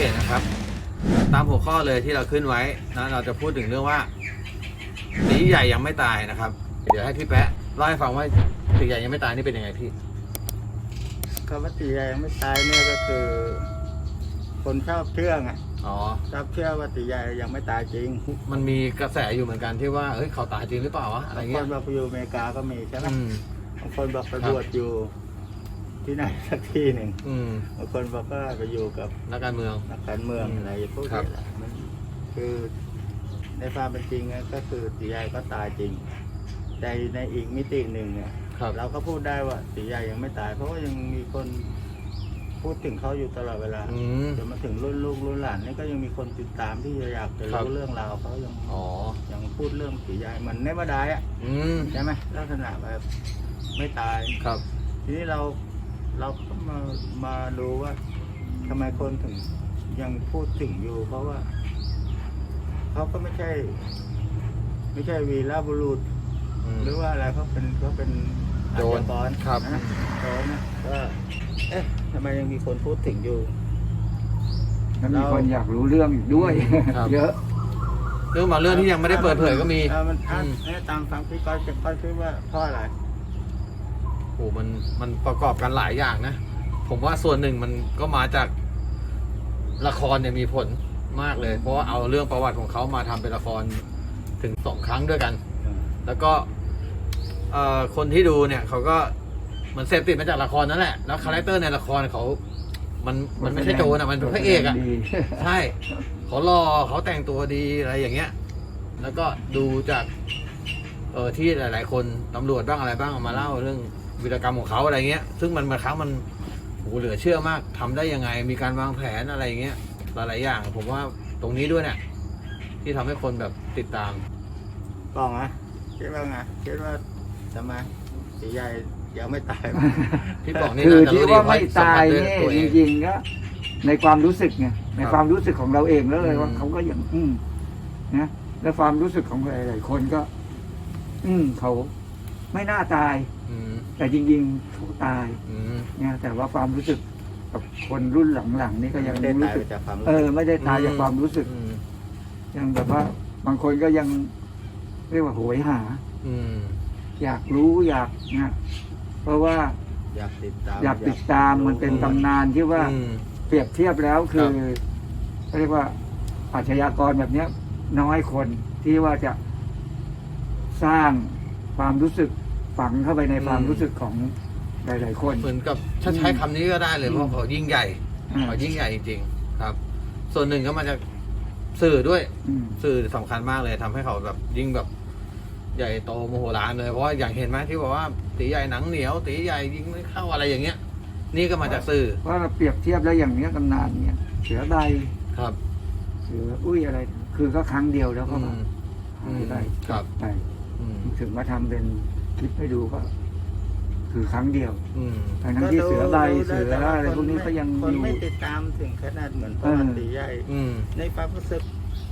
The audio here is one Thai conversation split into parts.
นะครับตามหัวข้อเลยที่เราขึ้นไว้นะเราจะพูดถึงเรื่องว่าตีใหญ่ยังไม่ตายนะครับเดี๋ยวให้พี่แป๊ะเล่าให้ฟังว่าตีใหญ่ยังไม่ตายนี่เป็นยังไงพี่คำว่าตีใหญ่ยังไม่ตายเนี่ยก็คือ คนชอบเชื่อไงชอบเชื่อว่าตีใหญ่ยังไม่ตายจริงมันมีกระแสอยู่เหมือนกันที่ว่าเฮ้ยเขาตายจริงหรือเปล่าวะอะไรเงี้ยบางคนบอกไปอยู่อเมริกาก็มีใช่ไหมบางคนบอกไปบวชอยู่ที่ไหนสักที่หนึ่งบางคนบอกว่าไปอยู่กับนักการเมืองอะไรพวกนี้แหละมันคือในความเป็นจริงก็คือตีใหญ่ก็ตายจริงแต่ในอีกมิติหนึ่งเนี่ยเราก็พูดได้ว่าตีใหญ่ยังไม่ตายเพราะว่ายังมีคนพูดถึงเขาอยู่ตลอดเวลาจนมาถึงรุ่นลูกรุ่นหลานนี่ก็ยังมีคนติดตามที่อยากจะรู้เรื่องราวเขายังพูดเรื่องตีใหญ่เหมือนเนวดายอ่ะใช่ไหมลักษณะแบบไม่ตายครับทีนี้เราก็มาดูว่าทำไมคนถึงยังพูดถึงอยู่เพราะว่าเขาก็ไม่ใช่วีรบุรุษหรือว่าอะไรเขาเป็นอาชญากรนะโจรนะก็ทำไมยังมีคนพูดถึงอยู่แล้วมีคนอยากรู้เรื่องอยู่ด้วยเยอะเรื่องบางเรื่องที่ยังไม่ได้เปิดเผยก็มีมันตามฟังพี่ก้อยคิดว่าเพราะอะไรโอ้มันประกอบกันหลายอย่างนะผมว่าส่วนหนึ่งมันก็มาจากละครเนี่ยมีผลมากเลยเพราะว่าเอาเรื่องประวัติของเขามาทำเป็นละครถึง2 ครั้งด้วยกันแล้วก็คนที่ดูเนี่ยเขาก็มันเสพติดมาจากละครนั่นแหละแล้วคาแรคเตอร์ในละครเขามันไม่ใช่โจรมันเป็นพระเอกอ่ะใช่เขาหล่อเขาแต่งตัวดีอะไรอย่างเงี้ยแล้วก็ดูจากที่หลายๆคนตำรวจบ้างอะไรบ้างมาเล่าเรื่องวีรกรรมของเขาอะไรเงี้ยซึ่งมันบางครั้งมันโหเหลือเชื่อมากทำได้ยังไงมีการวางแผนอะไรเงี้ยหลายๆอย่างผมว่าตรงนี้ด้วยเนี่ยที่ทำให้คนแบบติดตามบอกนะคิดว่าไงคิดว่าทำไมตีใหญ่ยังไม่ตายพี่บอกนี่คือที่ว่าไม่ตายเนี่ยจริงๆก็ในความรู้สึกไงในความรู้สึกของเราเองแล้วเลยว่าเขาก็ยังนะและความรู้สึกของหลายๆคนก็เขาไม่น่าตายแต่จริงๆเขาตายเนี่ยแต่ว่าความรู้สึกกับคนรุ่นหลังๆนี่ก็ยังรู้สึกไม่ได้ตายจากความรู้สึกยังแบบว่าบางคนก็ยังเรียกว่าโหยหาอยากรู้อยากนะเพราะว่าอยากติดตามมันเป็นตำนานที่ว่าเปรียบเทียบแล้วคือเรียกว่าอาชญากรแบบเนี้ยน้อยคนที่ว่าจะสร้างความรู้สึกฝังเข้าไปในความรู้สึกของหลายๆคนเหมือนกับถ้าใช้คำนี้ก็ได้เลยเพราะเขายิ่งใหญ่เขายิ่งใหญ่จริงๆครับส่วนหนึ่งก็มาจากสื่อด้วยสื่อสำคัญมากเลยทำให้เขาแบบยิ่งแบบใหญ่โตโมโหลานเลยเพราะว่าอย่างเห็นไหมที่บอกว่าตีใหญ่หนังเหนียวตีใหญ่ยิงไม่เข้าอะไรอย่างเงี้ยนี่ก็มาจากสื่อว่าเราเปรียบเทียบแล้วอย่างเนี้ยตำนานเนี้ยเสือใบครับเสืออุ้ยอะไรคือก็ครั้งเดียวแล้วก็มาได้ครับไปถึงมาทำเป็นคลิปให้ดูก็คือครั้งเดียวทั้งที่เสือใบเสืออะไรพวกนี้ก็ยังคนไม่ติดตามถึงขนาดเหมือนประวัติตีใหญ่ในความรู้สึก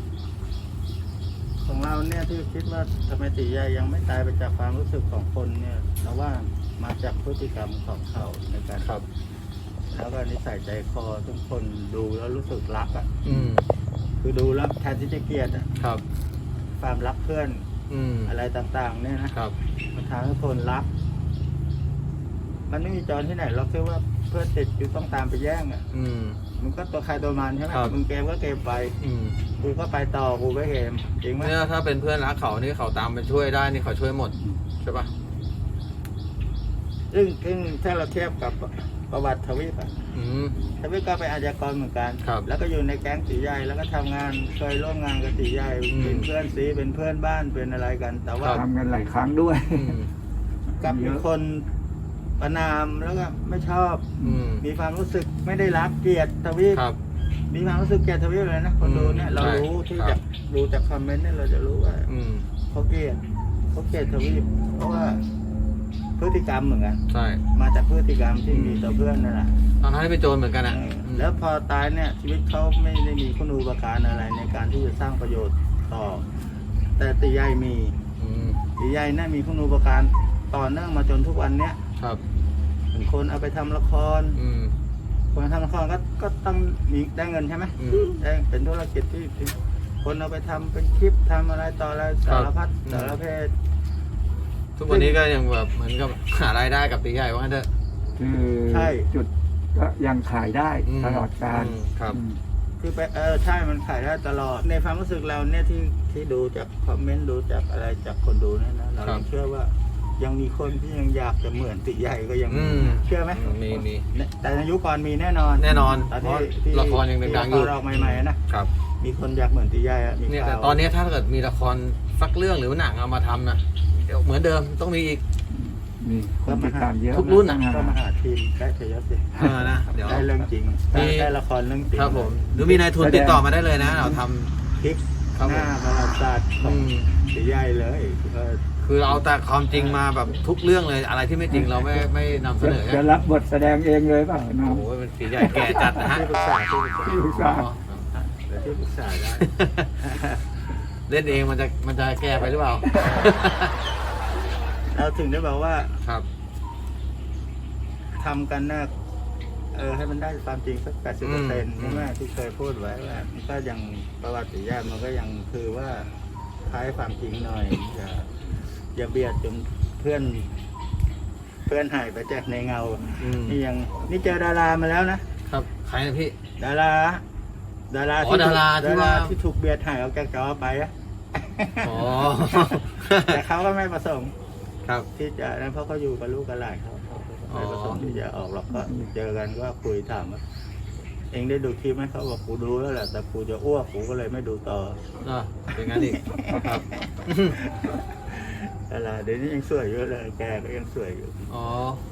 ของเราเนี่ยที่คิดว่าทำไมตีใหญ่ยังไม่ตายไปจากความรู้สึกของคนเนี่ยเราว่ามาจากพฤติกรรมของเขาในการแล้วก็นิสัยใจคอทุกคนดูแล้วรู้สึกรักอ่ะคือดูแล้วแทนที่จะเกลียดอ่ะความรักเพื่อนอะไรต่างๆเนี่ยนะมันทำให้คนรักมันไม่มีจรที่ไหนเราแค่ว่าเพื่อนติดอยู่ต้องตามไปแย่งอ่ะมันก็ตัวใครตัวมันใช่ไหมมึงเกมก็เกมไปกูก็ไปต่อกูก็เกมจริงไหมเนี่ยถ้าเป็นเพื่อนรักเขานี่เขาตามไปช่วยได้นี่เขาช่วยหมดใช่ปะซึ่งถ้าเราเทียบกับประวัติทวีปทวีปก็เป็นอาชญากรเหมือนกันแล้วก็อยู่ในแก๊งตีใหญ่แล้วก็ทำงานเคยร่วมงานกับตีใหญ่เป็นเพื่อนซีเป็นเพื่อนบ้านเป็นอะไรกันแต่ว่าทำกันหลายครั้งด้วยกับมีคนประนามแล้วก็ไม่ชอบมีความรู้สึกไม่ได้รักเกลียดทวีปมีความรู้สึกเกลียดทวีปเลยนะคนดูเนี่ยเรารู้ที่จะดูจากคอมเมนต์เนี่ยเราจะรู้ว่าเขาเกลียดทวีปเพราะว่าพฤติกรรมเหมือนกันใช่มาจากพฤติกรรมที่มีต่อเพื่อนนั่นแหละตอนนั้นเป็นโจรเหมือนกันอ่ะแล้วพอตายเนี่ยชีวิตเขาไม่ได้มีคุณูปการอะไรในการที่จะสร้างประโยชน์ต่อแต่ตีใหญ่มีตีใหญ่น่ามีคุณูปการต่อเนื่องมาจนทุกวันเนี้ยเป็นคนเอาไปทำละครคนทำละครก็ต้องมีได้เงินใช่ไหมอืมได้เป็นธุรกิจที่คนเอาไปทำเป็นคลิปทำอะไรต่ออะไรสารพัดครับสารเพศทุกวันนี้ก็ยังแบบเหมือนกับหารายได้กับตีใหญ่ว่างั้นเถอะคือใช่จุดก็ยังขายได้มตลอดการครับอืมคือไปใช่มันขายได้ตลอดในความรู้สึกเราเนี่ยที่ดูจากคอมเมนต์ดูจากอะไรจากคนดูเนี่ยนะเราครับยังเชื่อว่ายังมีคนที่ยังอยากจะเหมือนติใหญ่ก็ยังอืมีมเชื่อไหมมีแต่ในยุคก่อนมีแน่นอนแน่นอนตอนเพราะที่ละครยังดังๆอยู่ที่ละครออกใหม่ๆนะครับ มีคนอยากเหมือนติใหญ่อะมีเนี่ยข่าแต่วตอนนี้ถ้าเกิดมีละครสักเรื่องหรือว่าหนังเอามาทำนะเดี๋ยวเหมือนเดิมต้องมีอีกมีคนติดตามเยอะทุกรุ่นอะก็มาหาทีมได้เฉยๆสินะเดี๋ยวได้เรื่องจริงมีได้ละครเรื่องจริงครับผมหรือมีนายทุนติดต่อมาได้เลยนะ เราทำพลิกครับหน้าประวัติศาสตร์ของติใหญ่เลยคือเราเอาแต่ความจริงมาแบบทุกเรื่องเลยอะไรที่ไม่จริงเราไม่นำเสนอจะรับบทแสดงเองเลยเปล่าน้องโอ้โหเป็นตีใหญ่แก่จัดนะฮะที่ปรึกษาที่ปรึกษาที่ปรึกษาอ๋อเดี๋ยวที่ปรึกษาได้เล่นเองมันจะแก่ไปหรือเปล่าเราถึงได้บอกว่าครับทำกันนะให้มันได้ความจริงสัก 80%ใช่ไหมที่เคยพูดไว้ว่ามันก็ยังประวัติศาสตร์มันก็ยังคือว่าคล้ายความจริงหน่อยอย่าเบียดจนเพื่อนหายไปจากในเงาอืมนี่เจอดารามาแล้วนะครับใครนะพี่ดาราอ๋อดาราที่ว่าที่ถูกเบียดหายออกจากจอไปอะอ๋อแต่เขาก็ไม่ประสงค์ครับที่จะนั้นเพราะเขาอยู่กับลูกกับหลานเขาไม่ประสงค์ที่จะออกหรอกก็เจอกันก็คุยถามว่าเองได้ดูคลิปไหมเขาบอกกูดูแล้วแหละแต่กูจะอ้วกกูก็เลยไม่ดูต่อเป็นงั้นอีกครับอะไรเดี๋ยวนี้ยังสวยอยู่เลยแกก็ยังสวยอยู่อ๋อ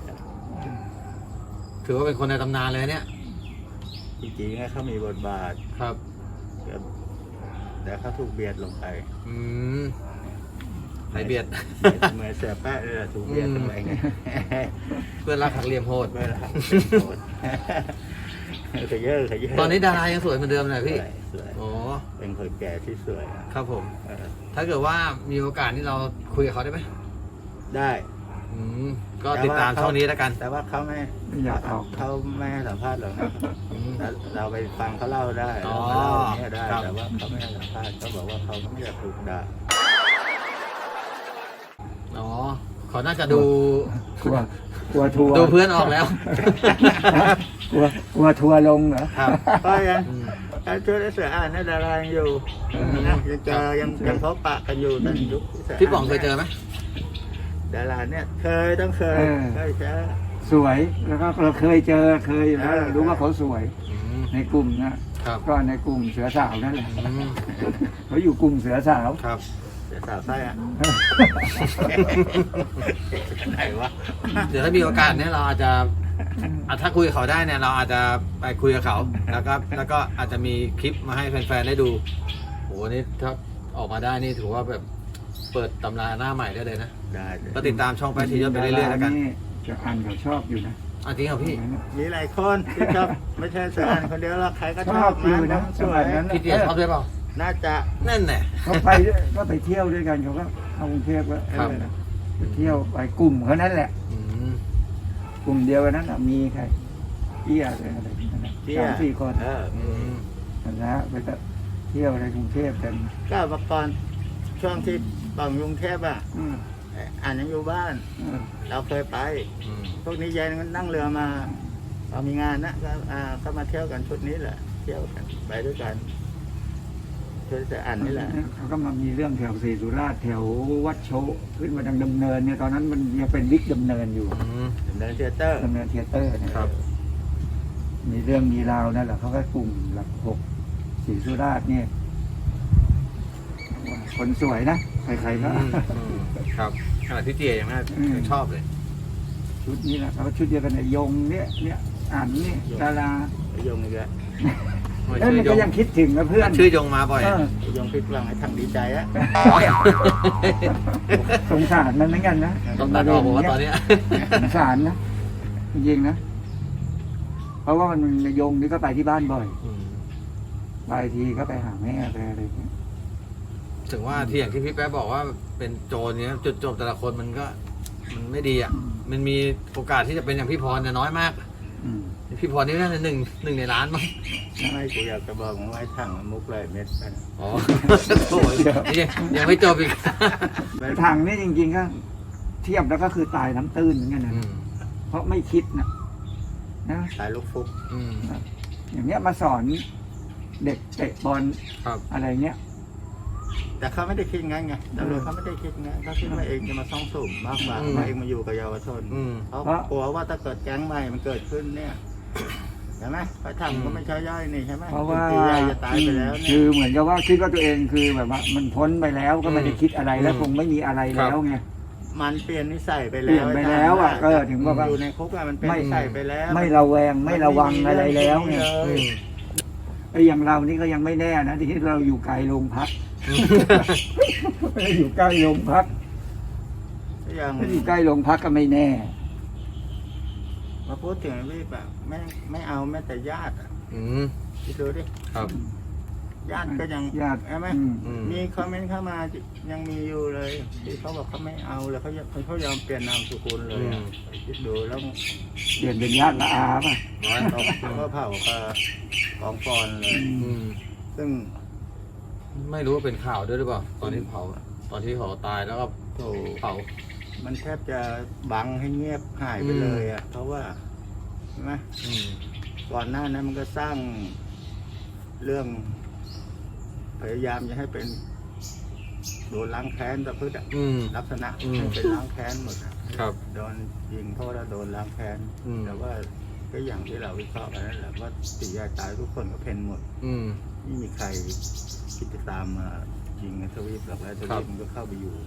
ถือว่าเป็นคนในตำนานเลยเนี่ยจริงๆนะเขามีบทบาทครับแต่เขาถูกเบียดลงไปอืมใครเบียดเหมือนเสือแปะเลยถูกเบียดลงไปไงเพื่อนรักหักเหลี่ยมโหดไม่ละขยเยอะขยเยอะตอนนี้ดารายังสวยเหมือนเดิมเลยพี่สวยอ๋อเป็นคนแก่ที่สวยอะครับผมเออถ้าเกิดว่ามีโอกาสที่เราคุยกับเขาได้ไหมได้อืมก็ติดตามช่องนี้แล้วกันแต่ว่าเขาไม่ไม่อยากออกเขาไม่ให้สัมภาษณ์หรอกนะอืมเราไปฟังเขาเล่าได้อ๋อเรามาเล่าอย่างเนี้ยได้ครับแต่ว่าเขาไม่ให้สัมภาษณ์เขาบอกว่าเขาไม่อยากถูกด่าอ๋อเขาน่าจะดูกลัวทัวร์ดูเพื่อนออกแล้วกลัวทัวร์ลงเหรอครับก็ยังอืมการช่วยเสืออ่านให้ดารายังอยู่นะยังเจอยังพบปะกันอยู่ตอนยุคเสืพี่ป๋องเคยเจอไหมดาราเนี่ยเคยต้องเคยเคยเจอสวยแล้วก็เราเคยเจอเคยแล้วเรารู้ว่าเขาสวยอืมในกลุ่มนะครับ ก็ในกลุ่มเสือสาวนั่นแหละอืมเขาอยู่กลุ่มเสือสาวครับเสือสาวไส้อะไหนวะเดี๋ยวถ้ามีโอกาสเนี่ยเราอาจจะถ้าคุยกับเขาได้เนี่ยเราอาจจะไปคุยกับเขาแล้วก็อาจจะมีคลิปมาให้แฟนๆได้ดูโหนี่ถ้าออกมาได้นี่ถือว่าแบบเปิดตำราหน้าใหม่ได้เลยนะได้เลยก็ติดตามช่องไปทียศไปเรื่อยๆแล้วกันจะอ่านเขาชอบอยู่นะจริงเหรอพี่มีหลายคนที่ชอบไม่ใช่เสืออ่านคนเดียวหรอกใครก็ชชออบบ อยู่นะสสวมัยยนั้นพี่เตี๋ยชอบด้วยเปล่าน่าจะนั่นแหละเขาก็ไปเที่ยวด้วยกันเขาก็เข้ากรุงเทพก็ครับไปเที่ยวไปกลุ่มเขานั่นแหละอืมกลุ่มเดียวกันนั้นน่ะมีใครเอี้ยอะไรนั่นน่ะเที่ย 3-4 คนอืมนะไปเที่ยวในกรุงเทพกันก็เมื่อก่อนช่วงที่ป่องกรุงเทพอ่ะอืมอ่านยังอยู่บ้าน เราเคยไปอืมพวกนี้ยายนั่งเรือมาเรามีงานนะก็มาเที่ยวกันชุดนี้แหละ เที่ยวกันไปด้วยกันช่วยจะอ่านนี่แหละเขาก็มามีเรื่องแถวศรีสุราษฎร์แถววัดโชขึ้นมาทางดำเนินเนี่ยตอนนั้นมันยังเป็นวิกดำเนินอยู่อืมเดินเทยเตอร์ดำเนินเทยเตอร์เนี่ยครับมีเรื่องมีราวนั่นแหละเขาก็กลุ่มหลักหกศรีสุราษฎร์เนี่ยคนสวยนะใครๆก็ครับขนาดพี่เตี๋ยยังน่าอืมชอบเลยชุดนี้แหละเขาก็ชุดเดียวกันเนี่ยยงเนี่ยอ่านนี่ดาราไอ้ยงอีกแล้วเอ้ยมันก็ยังคิดถึงนะเพื่อนชื่อยงมาบ่อยเออไอ้ยงพิดหวังให้ทางดีใจอะสงสารมันเหมือนกันนะต้องตัดออกผมว่าตอนเนี้ยสงสารนะจริงๆนะเพราะว่ามันยงนี่ก็ไปที่บ้านบ่อยอืมไปทีก็ไปหาแม่ไปอะไรอย่างเงี้ยถึงว่าที่อย่างที่พี่แป๊ะบอกว่าเป็นโจรเนี้ยจุดจบแต่ละคนมันก็มันไม่ดีอ่ะ มันมีโอกาสที่จะเป็นอย่างพี่พรเนี่ยน้อยมากอืมพี่พรนี่น่าจะหนึ่งในล้านมั้งไม่กูอยากจะบอกมึงว่าไอ้ถังมุกเลยเม็ดไปนะอ๋อโถ่ยังไม่จบอีกทางนี่จริงๆก็เทียบแล้วก็คือตายน้ำตื้นเหมือนกันนะอืมเพราะไม่คิดนะตายลูกฟุกอืมอย่างเงี้ยมาสอนเด็กเตะบอลครับอะไรเงี้ยแต่เขาไม่ได้คิดงั้นไงตำรวจเขาไม่ได้คิดงั้นเขาคิดว่าเองจะมาซ่องสุมมากกว่าว่าเองมาอยู่กับเยาวชนอืมเขากลัวว่าถ้าเกิดแก๊งใหม่มันเกิดขึ้นเนี่ยใช่ไหมพระธรรมก็ไม่ใช่ย่อยนี่ใช่ไหมเพราะว่าตีใหญ่จะตายไปแล้วเนี่คืยอเหมือนกับว่าคิดว่าตัวเองคือแบบว่า มันพ้นไปแล้วก็ไม่ได้คิดอะไรแล้วคงไม่มีอะไรแล้วไงมันเปลี่ยนนิสัยไปเปลี่แล้ยนวไปแล้วอ่ะก็ถึงว่าอยู่ในคุกอะมันเป็นนิสัยไปแล้วไม่ระแวงไม่ระวังอะไรแล้วไงอืมไอ้อย่างเรานี่ก็ยังไม่แน่นะที่เราอยู่ไกลโรงพักอยู่ใกล้โรงพักอย่างถ้าอยู่ใกล้โรงพักก็ไม่แน่มาพูดถึงรีบอะไม่เอาแม้แต่ญาติอะอืมคิดดูดิครับญาติก็ยังญาติใช่ไหมอืมมีคอมเมนต์เข้ามายังมีอยู่เลยที่เขาบอกเขาไม่เอาเลยเขายอมเปลี่ยนนามสกุลเลยอะคิดดูแล้วเปลี่ยนเป็นญาติละอาป่ะเขาก็เผากับกองฟอนเลยอืมซึ่งไม่รู้ว่าเป็นข่าวด้วยหรือเปล่าตอนที่เผาตอนที่เขาตายแล้วก็โถเผามันแทบจะบังให้เงียบหายไปเลยอ่ะเพราะว่าใช่ไหมอืมก่อนหน้านั้นมันก็สร้างเรื่อง พยายามจะให้เป็นโดนล้างแค้นแต่พืชอะอืมลักษณะอืมให้เป็นล้างแค้นหมดอะครับโดนยิงเพราะว่าโดนล้างแค้นอืมแต่ว่าก็อย่างที่เราวิเคราะห์กันนั่นแหละว่าตียายตายทุกคนก็เพ่นหมดอืมไม่มีใครคิดจะตามมายิงทวีปหรอกแล้วทครัวีบปมันก็เข้าไปอยู่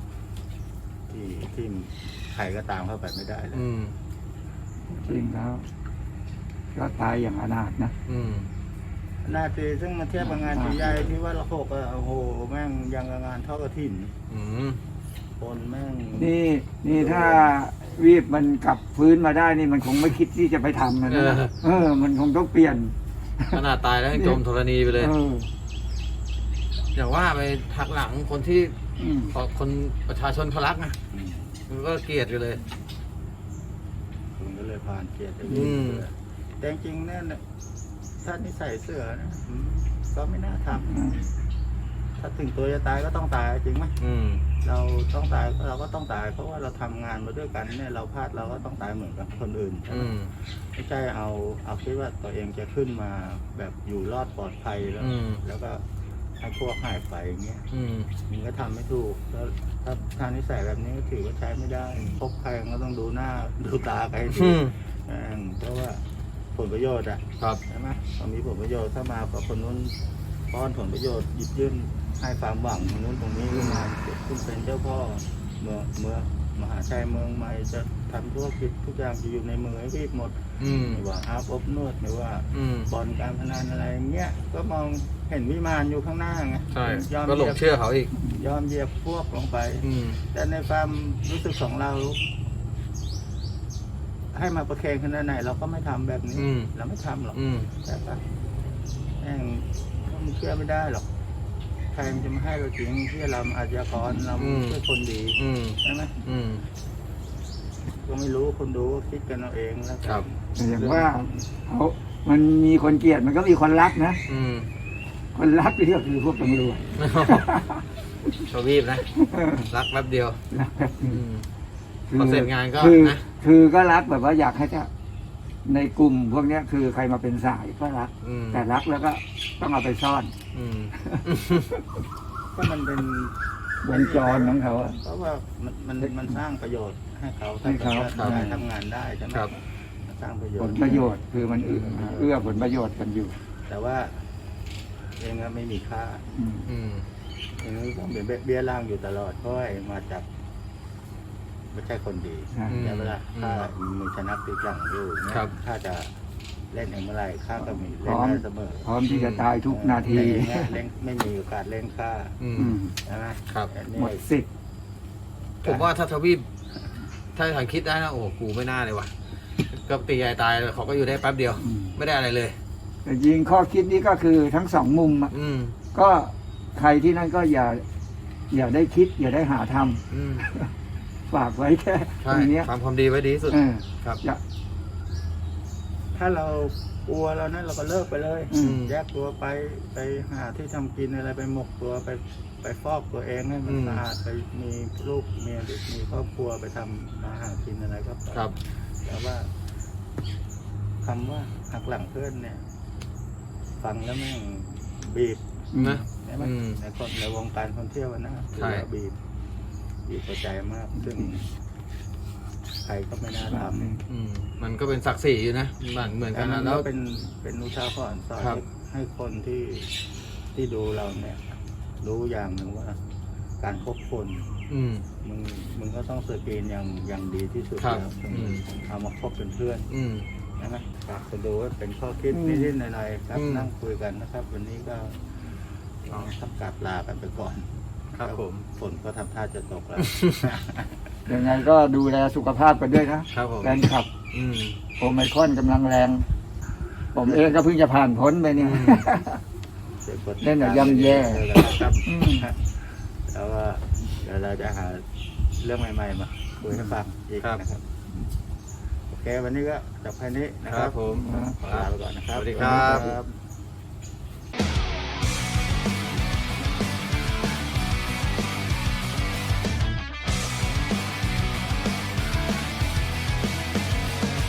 ที่ใครก็ตามเข้าไปไม่ได้เลยอืมจริงแล้วก็ตายอย่างอนาถนะอืมหน้าตีซึ่งมาเทียบกับงานตีใหญ่ที่ว่าละหกอะโอ้โหแม่งยังกับงานเท่ากระถิ่นอืมคนแม่งนี่ถ้าวีบมันกลับฟื้นมาได้นี่มันคงไม่คิดที่จะไปทำนะ มันคงต้องเปลี่ยนขนาดตายแล้วยังจมธรณีไปเลย อย่างว่าไปหักหลังคนที่อืมคนประชาชนเขารักนะอืมมันก็เกลียดอยู่เลยคุณก็เลยผ่านเกียรติอืมแต่จริงๆเนี่ยถ้านิสัยเสือนะก็ไม่น่าทำถ้าถึงตัวจะตายก็ต้องตายจริงไหมอืมเราต้องตายเราก็ต้องตายเพราะว่าเราทำงานมาด้วยกันเนี่ยเราพลาดเราก็ต้องตายเหมือนกับคนอื่นอืมไม่ใช่เอาคิดว่าตัวเองจะขึ้นมาแบบอยู่รอดปลอดภัยแล้วอืมแล้วก็ให้พวกหายไปอย่างเงี้ยอืมมันก็ทำไม่ถูกแล้วถ้าทางนิสัยแบบนี้ก็ถือว่าใช้ไม่ได้พบใครก็ต้องดูหน้าดูตาใครดีอืมเพราะว่าผลประโยชน์อะครับใช่ไหมพอมีผลประโยชน์ถ้ามากับคนนู้นป้อนผลประโยชน์หยิบยื่นให้ความหวังตรงนู้นตรงนี้ขึ้นมาคุณเป็นเจ้าพ่อเมืองมหาชัยเมืองใหม่จะทำธุรกิจทุกอย่างจะอยู่ในมือให้รีบหมดอืมไม่ว่าอาบอบนวดไม่ว่าอืมบ่อนการพนันอะไรเงี้ยก็มองเห็นวิมานอยู่ข้างหน้าไงใช่ยอมก็หลงเชื่อเขาอีกยอมเหยียบพวกลงไปอืมแต่ในความรู้สึกของเรา ให้มาประเคนขนาดไหนเราก็ไม่ทำแบบนี้อืมเราไม่ทำหรอกอืมใช่ปะแม่งมันเชื่อไม่ได้หรอกใครมันจะมาให้เราจริงเชื่อเราอาชญากรเราไม่ใช่คนดีอืมใช่ไหมอืมก็ไม่รู้คนดูก็คิดกันเอาเองแล้วกันครับแต่อย่างว่ามันมีคนเกลียดมันก็มีคนรักนะอืมคนรักนี่ก็คือพวกตำรวจชวีบนะ รักแป๊บเดียวรักแบบอืนี้ม พอเสร็จงานก็คือนะคือก็รักแบบว่าอยากให้จะในกลุ่มพวกเนี้ยคือใครมาเป็นสายก็รักอืมแต่รักแล้วก็ต้องเอาไปซ่อนอืมก็มันเป็นวงจรของเขาอะเพราะว่ามันสร้างประโยชน์ให้เขาให้เขาถ้ได้ทำงานได้ใช่ไหมครับมันสร้างประโยผชลน์ประโยชน์คือมันเอื้อผลประโยชน์กันอยู่แต่ว่าเองก็ไม่มีค่าอืมอืมเองก็ต้องเป็นเบี้ยล่างอยู่ตลอดเพราะว่าเองมาจากไม่ใช่คนดีใช่แต่เวลาถ้ามีชนะติดหลังอยู่เนี่ยครับถ้าจะเล่นเองเมื่อไหร่ข้าก็มีเล่นได้เสมอพร้อมที่จะตายทุกนาทีแต่เองเนี่ยเล่นไม่มีโอกาสเล่นค่าอืมอืมใช่ไหมครับอันนี้หมดสิทธิ์ผมว่าถ้าทวีปถ้าถังคิดได้นะโอ้โหกูไม่น่าเลยว่ะ ก็ตียายตายเขาก็อยู่ได้แป๊บเดียวอืมไม่ได้อะไรเลยแต่ยิงข้อคิดนี้ก็คือทั้งสองมุมอะอืมก็ใครที่นั่นก็อย่าได้คิด อย่าได้หาทำอืมฝากไว้แค่ตใช่รงเนี้ยทำความดีไว้ดีที่สุดเออครับอย่าถ้าเรากลัวเรานั้นเราก็เลิกไปเลยอืมแยกตัวไปหาที่ทำกินอะไรไปหมกตัวไปฟอกตัวเองให้มันสะอาดไปมีลูกเมียหรือมีครอบครัวไปทำมาหากินอะไรก็ไปครับแต่ว่าคำว่าหักหลังเพื่อนเนี่ย ฟังแล้วแม่งบีบนะใช่ไหมอืมในวงการท่องเที่ยวนะใช่ถือว่าบีบหัวใจมากซึ่งใครก็ไม่น่าทำอืมมันก็เป็นศักดิ์ศรีอยู่นะเหมือนแต่กันมันะนแล้ก็วเป็นอุทาหรณ์สอนครับให้คนที่ดูเราเนี่ย รู้อย่างหนึ่งว่า การคบคนอืมมึงก็ต้องสกรีนอย่างดีที่สุดครับแล้วถึงอืมเอามาคบเป็นเพื่อนอืมใช่ไหมฝากคนดูว่าเป็นข้อคิดอืมนิดๆหน่อยๆครับอืมนั่งคุยกันนะครับ วันนี้ก็ต้องกลับลากันไปก่อนครับผมฝนก็ทำท่าจะตกแล้วยังไงก็ดูแลสุขภาพกันด้วยนะครับผมแฟนคลับอืมโอไมครอนกำลังแรง ผมเองก็เพิ่งจะผ่านพ้นไปเนี่ยอืมเล่นแบบย่ำแย่ครับอืมแล้วก็เดี๋ยวเราจะหาเรื่องใหม่ๆมาคุยให้ฟังอีกครับนะครับ โอเค วันนี้ก็จบแค่นี้นะคครัรับบ ผมขอลาไปก่อนนะครับสวัสดีครับสวัสดีครับ